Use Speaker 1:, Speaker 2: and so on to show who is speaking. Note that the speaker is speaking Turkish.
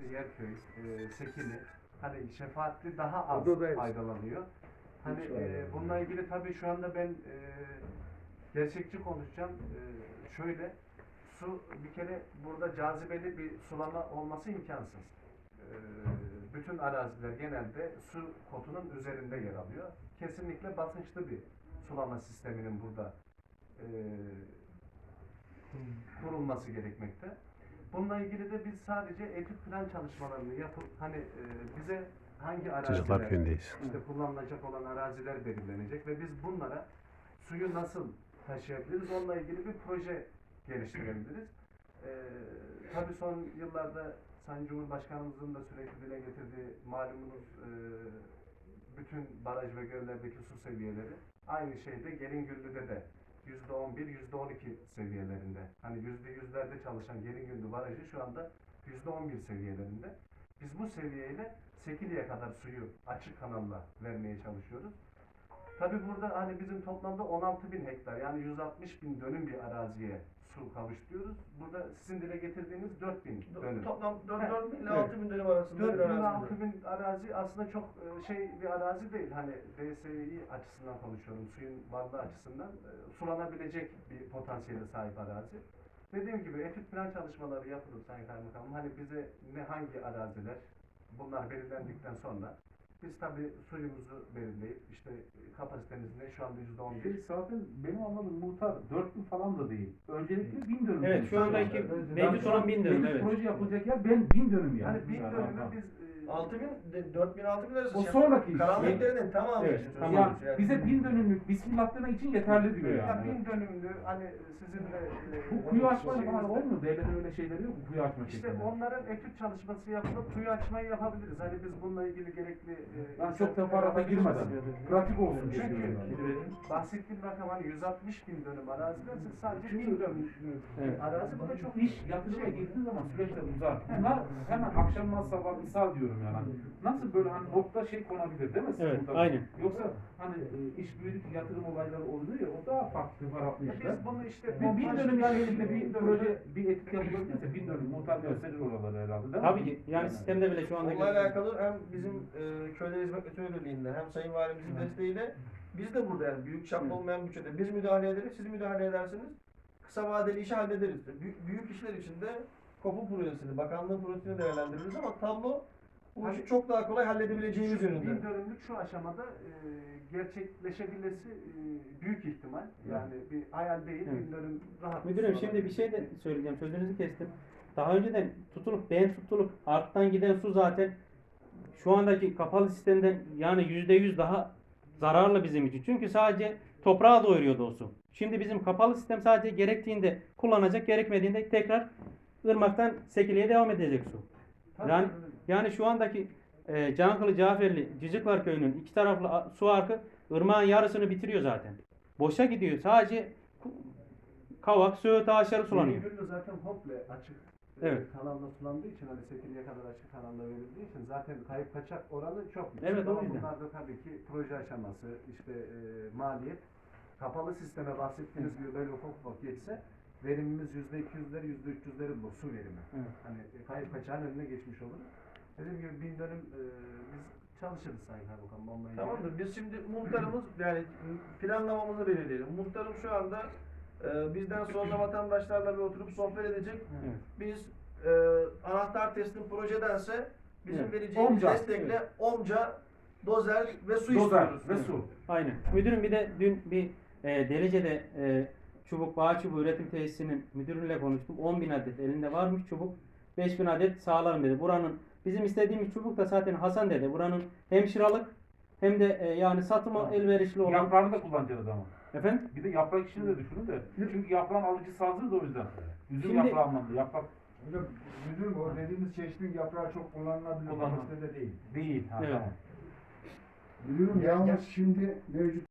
Speaker 1: işte Yerköy, Sekili, hani şefaatli daha az
Speaker 2: Odadayız.
Speaker 1: faydalanıyor. Hani bununla ilgili tabii şu anda ben gerçekçi konuşacağım. Şöyle, su bir kere burada cazibeli bir sulama olması imkansız. Bütün araziler genelde su kotunun üzerinde yer alıyor. Kesinlikle basınçlı bir sulama sisteminin burada kurulması gerekmekte. Bununla ilgili de biz sadece etüt plan çalışmalarını yapıp hani bize hangi
Speaker 3: Çocuklar
Speaker 1: araziler
Speaker 3: köyündeyiz.
Speaker 1: işte kullanılacak olan araziler belirlenecek ve biz bunlara suyu nasıl taşıyabiliriz onunla ilgili bir proje geliştirebiliriz. Tabii son yıllarda Sayın Cumhurbaşkanımızın da sürekli dile getirdiği malumunuz bütün baraj ve göllerdeki su seviyeleri aynı şeyde Gelingüllü'de de %11, %12 seviyelerinde. Hani %100'lerde çalışan Gelingüllü barajı şu anda %11 seviyelerinde. Biz bu seviyeyle Sekili'ye kadar suyu açık kanalla vermeye çalışıyoruz. Tabii burada hani bizim toplamda 16.000 hektar yani 160.000 dönüm bir araziye su kavuşturuyoruz. Burada sizin dile getirdiğiniz 4.000 dönüm.
Speaker 2: Toplam 4.000 ile 6.000 dönüm arasında
Speaker 1: 4.000
Speaker 2: bir
Speaker 1: ile
Speaker 2: arazi.
Speaker 1: 6.000 arazi aslında çok bir arazi değil. Hani DSİ açısından konuşuyorum, suyun varlığı açısından sulanabilecek bir potansiyele sahip arazi. Dediğim gibi etüt plan çalışmaları yapılır Sayın Kaymakamım. Hani bize hangi araziler bunlar belirlendikten sonra biz tabii suyumuzu belirleyip işte kapasitemiz ne şu anda %11.
Speaker 4: Zaten benim anladığım muhtar 4.000 falan da değil. Öncelikle 1000 dönüm.
Speaker 5: Evet, şu andaki mevcut olan 1000 dönüm, evet.
Speaker 4: Proje yapılacak yer ben 1000 dönüm yani.
Speaker 1: Yani 1000 dönümü biz
Speaker 2: 4.000 arası.
Speaker 4: O sonraki iş.
Speaker 2: Karanlıklarının tamamı
Speaker 5: Evet,
Speaker 2: için
Speaker 5: tamam.
Speaker 4: Ya
Speaker 2: söylüyoruz yani.
Speaker 4: bize 1000 dönümlük bismillah demek için yeterli diyor
Speaker 1: ya
Speaker 4: yani.
Speaker 1: 1000 dönümlü hani sizinle
Speaker 4: Bu kuyu açma falan olmuyor. Devletin öyle şeyleri yok mu? Kuyu açma
Speaker 1: İşte
Speaker 4: şeklinde.
Speaker 1: onların etüt çalışması yapılıp kuyu açmayı yapabiliriz. Hani biz bununla ilgili gerekli
Speaker 4: Ben çok teferruata girmeden. Pratik olsun.
Speaker 1: Çünkü bahsettiğim rakam hani 160.000 dönüm arazide siz sadece 1000 dönüm
Speaker 5: Evet.
Speaker 1: arazi bu da çok
Speaker 4: İş yatırıma girdiği zaman süreçler uzar. Bunlar hemen akşamdan sabah misal diyorum yani. Nasıl böyle hani nokta konabilir değil mi?
Speaker 5: Evet,
Speaker 4: Burada?
Speaker 5: aynen.
Speaker 4: Yoksa hani iş büyüdük yatırım olayları oluyor ya o daha farklı farklı işler.
Speaker 1: biz bunu işte
Speaker 4: Bu 1000 dönüm yani elinde bir
Speaker 1: 1000
Speaker 4: proje bir etki yapılabilirse 1000 dönüm muhtar gösterir oraları herhalde değil mi?
Speaker 5: Tabii ki. Yani sistemde bile şu anda
Speaker 2: Onunla alakalı hem bizim Köyler Hizmet Müdürlüğü Birliği'nde hem Sayın Valimizin desteğiyle biz de burada yani büyük çaplı olmayan bütçede biz müdahale ederiz, siz müdahale edersiniz. Kısa vadeli işi hallederiz. Büyük işler için de KOPU projesini, bakanlığın projesini değerlendiririz ama tablo bu işi çok daha kolay halledebileceğimiz
Speaker 1: Şu
Speaker 2: yönünde.
Speaker 1: 1000 dönümlük şu aşamada gerçekleşebilmesi büyük ihtimal. Yani bir hayal değil,
Speaker 5: Evet.
Speaker 1: 1000 dönüm rahat.
Speaker 5: Müdürüm şimdi bir şey de söyleyeceğim. Sözünüzü kestim. Daha önceden tutulup arttan giden su zaten şu andaki kapalı sistemden yani %100 daha zararlı bizim için. Çünkü sadece toprağa doyuruyordu o su. Şimdi bizim kapalı sistem sadece gerektiğinde kullanacak, gerekmediğinde tekrar ırmaktan Sekili'ye devam edecek su. Yani şu andaki Cankılı, Caferli, Ciciklar Köyü'nün iki taraflı su arkı ırmağın yarısını bitiriyor zaten. Boşa gidiyor. Sadece Kavak, Söğüt ağaçları sulanıyor.
Speaker 1: Gelingüllü zaten komple açık
Speaker 5: Evet.
Speaker 1: kanalla sulandığı için hani Sekili'ye kadar açık kanalla verildiği için zaten kayıp kaçak oranı çok yüksek.
Speaker 5: Evet, o
Speaker 1: Ama
Speaker 5: yüzden.
Speaker 1: bunlar da tabii ki proje aşaması, işte maliyet. Kapalı sisteme bahsettiğiniz gibi böyle ufak ufak geçse verimimiz %200'leri, %300'leri bu su verimi.
Speaker 5: Evet.
Speaker 1: Hani kayıp kaçağın önüne geçmiş olur. Dediğim gibi 1000 dönüm biz çalışırız Sayın Kaymakam. Onunla ilgili.
Speaker 2: Tamamdır. Biz şimdi muhtarımız yani planlamamızı belirleyelim. Muhtarım şu anda bizden sonra vatandaşlarla bir oturup sohbet edecek.
Speaker 5: Evet.
Speaker 2: Biz anahtar teslim projedense bizim
Speaker 5: Evet.
Speaker 2: vereceğimiz
Speaker 4: Omca.
Speaker 2: destekle omca, dozer ve su
Speaker 4: Dozer
Speaker 2: istiyoruz.
Speaker 4: ve su.
Speaker 5: Aynen. Müdürüm bir de dün bir Delice'de bağ çubuğu üretim tesisinin müdürüyle konuştum. 10.000 adet elinde varmış çubuk. 5.000 adet sağlarım dedi. Buranın bizim istediğimiz çubuk da zaten Hasan dedi. Buranın hem şıralık hem de yani satıma elverişli olan.
Speaker 4: Yaprağını da kullanacağız ama.
Speaker 5: Efendim?
Speaker 4: Bir de yaprak işini de düşünün de. Çünkü yaprağın alıcısı hazır da o yüzden. Üzüm
Speaker 5: Şimdi-
Speaker 4: yaprağı anlamında. Yaprak
Speaker 6: Hocam müdürüm o dediğimiz çeşitli yaprağı çok kullanılabilir.
Speaker 4: Kullanılır.
Speaker 6: Kapasitede değil.
Speaker 4: değil. Ha,
Speaker 5: Evet.
Speaker 4: tamam.
Speaker 6: Müdürüm yalnız şimdi mevcut